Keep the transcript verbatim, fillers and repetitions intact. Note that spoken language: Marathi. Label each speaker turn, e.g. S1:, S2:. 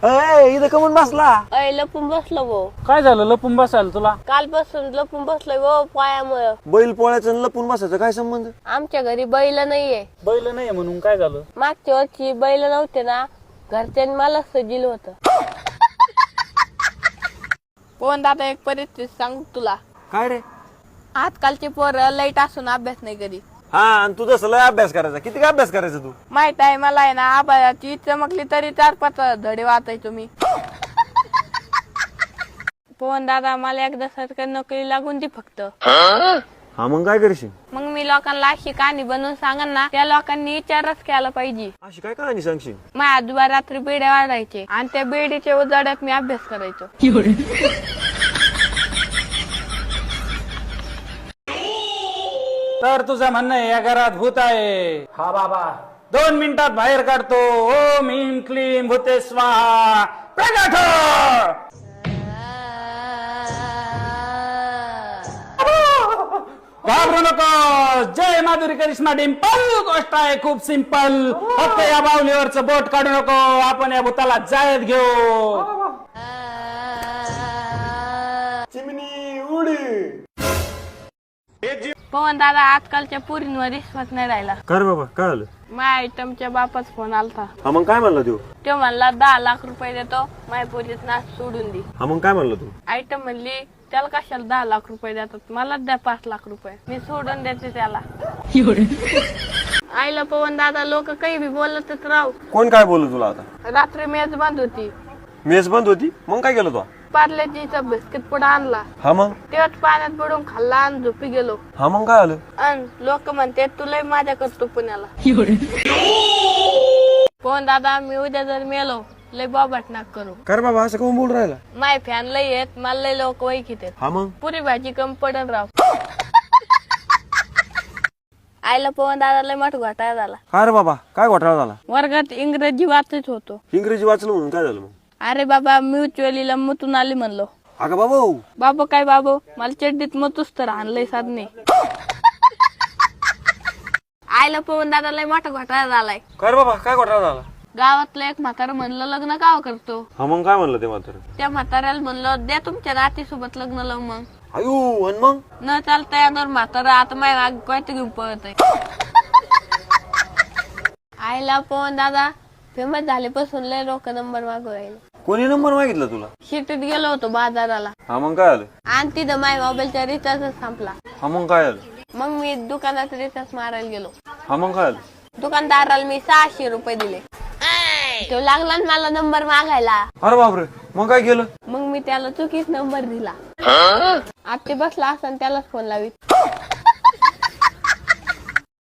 S1: अय इथं कमून बसला?
S2: अय लपून बसलो भाऊ.
S3: काय झालं लपून बसायला तुला?
S2: कालपासून लपून बसलोय भाऊ पायामुळं.
S1: बैल पोळ्याचं आणि लपून बसायचं काय संबंध?
S2: आमच्या घरी बैल नाहीये.
S3: बैल नाही म्हणून काय झालं?
S2: मागच्या वर्षी बैल नव्हते ना, घरच्यांनी मला सजिल होत. पण दादा एक परिस्थिती सांग तुला.
S1: काय रे?
S2: आजकालची पोरं लाईट असून अभ्यास नाही करीत.
S1: हा आणि तू जसं लय अभ्यास करायचा, किती काय अभ्यास करायचा तू?
S2: माहित आहे मला आहे ना, आबाची चमकली तरी चार पाच धडे वाचायचो मी. पवन दादा मला एकदा सरकारी नोकरी लागून दी फक्त.
S1: हा मग काय करशील?
S2: मग मी लोकांना अशी कहाणी बनवून सांगन ना, त्या लोकांनी विचारच केला पाहिजे.
S1: अशी काय कहाणी सांगशील?
S2: माझ्या आजोबा रात्री बेड्या वाढायचे आणि त्या बेडीच्या उजाड्यात मी अभ्यास करायचो.
S3: तर तुझं म्हणणं आहे या घरात भूत आहे? हा बाबा दोन मिनिटात बाहेर काढतो. ओम ह्रीं क्लीं भूते स्वाहा. प्रगट हो. घाबरू नको. जय माधुरी करिश्मा डिंपल. गोष्ट आहे खूप सिंपल. फक्त या बाहुलीवरचं बोट काढू नको. आपण या भूताला जाळ्यात घेऊ.
S1: चिमणी उडी.
S2: पवन दादा आजकालच्या पोरींवर विश्वास नाही राहिला.
S1: कर बाबा काय आलं?
S2: माझ्या आयटमच्या बापाच फोन आलता.
S1: हा मग काय म्हणला तू?
S2: तो म्हणला दहा लाख रुपये देतो, माझ्या पोरीत नाच सोडून दे.
S1: हा मग काय म्हणला तू?
S2: आयटम म्हणली त्याला कशाला दहा लाख रुपये देतात, मलाच द्या पाच लाख रुपये, मी सोडून देते त्याला. आईला पवन दादा लोक काही बी बोलतच राहू.
S1: कोण काय बोलू तुला आता?
S2: रात्री मेज बंद होती,
S1: मेस बंद होती, मग काय केलं तू?
S2: पार्लेजीचा बिस्किट पुडा आणला,
S1: हा मग?
S2: तेव्हाच पाण्यात पडून खाल्ला आणि झोपी गेलो.
S1: हा मग काय आलं?
S2: आणि लोक म्हणते तुला माझ्या करतो पुण्याला. पवन दादा मी उद्या जर मेलो लय बाबाट नाक करू.
S1: कर बाबा असं कोण बोल राहिला?
S2: माय फॅन लय येत, मला लय लोक वैकित येत.
S1: हा मग?
S2: पुरी भाजी कम पडन राव. आईला पवन दादा लय मोठा घोटाळा झाला.
S1: काय रे बाबा काय घोटाळा झाला?
S2: वर्गात इंग्रजी वाचत होतो.
S1: इंग्रजी वाचलं म्हणून काय झालं मग?
S2: अरे बाबा म्युच्युअलीला मुतून आली म्हणलो.
S1: अगं बाबा
S2: बाबा काय बाबा मला चड्डीत मतूच तर आणलंय साधने. आईला पवन दादा लय मोठा घोटाळा झालाय.
S1: कर बाबा काय घोटाळा झाला?
S2: गावातलं एक म्हातारा म्हणलं लग्न काव करतो.
S1: हा मग काय म्हणलं ते म्हातारं?
S2: त्या म्हाताऱ्याला म्हणलं द्या तुमच्या नातीसोबत लग्न लावून. मग
S1: अयो आणि मग?
S2: न चालता यावर म्हातारा आता माझ्या काय घेऊन पळत आहे. आईला पवन दादा फेमस झाल्यापासून लय लोक नंबर मागू राहिले.
S1: कोणी नंबर मागितला तुला?
S2: शिटीत गेलो होतो बाजाराला
S1: हा मग काय आलं?
S2: आणि तिथं माझ्या मोबाईलचा रिचार्ज संपला.
S1: हा मग काय आलं?
S2: मग मी दुकानात रिचार्ज मारायला गेलो.
S1: हा मग काय आलं?
S2: दुकानदाराला मी सहाशे रुपये दिले. तो लागला ना मला नंबर मागायला.
S1: अरे बापरे मग काय केलं?
S2: मग मी त्याला चुकीच नंबर दिला. आता ते बसला असं त्यालाच फोन लावित.